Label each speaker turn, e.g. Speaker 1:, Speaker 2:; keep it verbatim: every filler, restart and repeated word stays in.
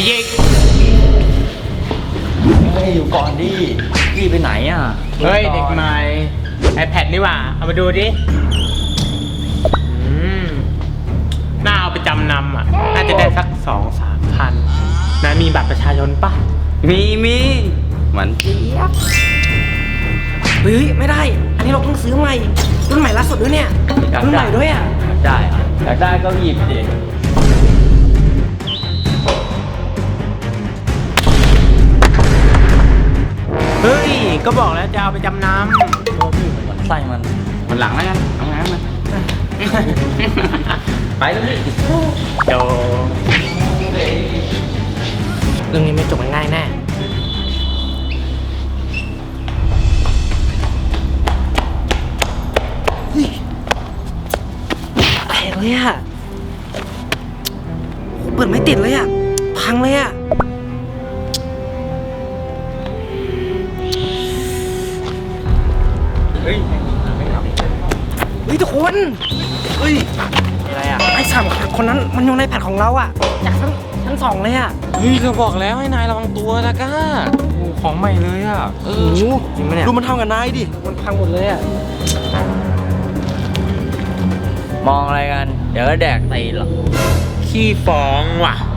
Speaker 1: ยิง
Speaker 2: เฮ้ยอยู่ก่อนดิพี่ไปไหนอ่ะ
Speaker 1: เฮ้ยเด็กใหม่ iPad นี่หว่าเอามาดูดิอืมน่าเอาไปจำนำอ่ะน่าจะได้สักสองสามพันนะมีบัตรประชาชนปะ
Speaker 2: มีมีเหมือนเจี๊ยบ
Speaker 3: เฮ้ยไม่ได้อันนี้เราต้องซื้อใหม่รุ่นใหม่ล่าสุดด้วยเนี่ยรุ่นใหม่ด้วยอ่ะ
Speaker 2: ได้อยากได้ก็หยิบดิ
Speaker 1: เฮ้ยก็บอกแล้วจะเอาไปจำนำ
Speaker 2: ตัวพี่เหมือนไส้มันมันหลังแล้วกันเอาง้างมันไปแล้วพี่
Speaker 1: โจ
Speaker 3: เรื่องนี้ไม่จบง่ายแน่แตกเลยอ่ะเปิดไม่ติดเลยอ่ะพังเลยอ่ะ
Speaker 2: เฮ้ย
Speaker 3: เฮ้ยทุกคนเฮ้ยอะไรอ่ะไอ้สามคนนั้นมันอยู่ในแผ่นของเราอ่ะจากชั้นชั้นสองเลยอ่ะ
Speaker 1: เฮ้ยก็บอกแล้วให้นายระวังตัวนะก้าของใหม่เลยอ่ะเออจริงไหมเนี่ย
Speaker 3: ดูมันทำกับนายดิมันพังหมดเลยอ่ะ
Speaker 2: มองอะไรกันเดี๋ยวก็แดกตีหรอก
Speaker 1: ขี้ฟ้องว่ะ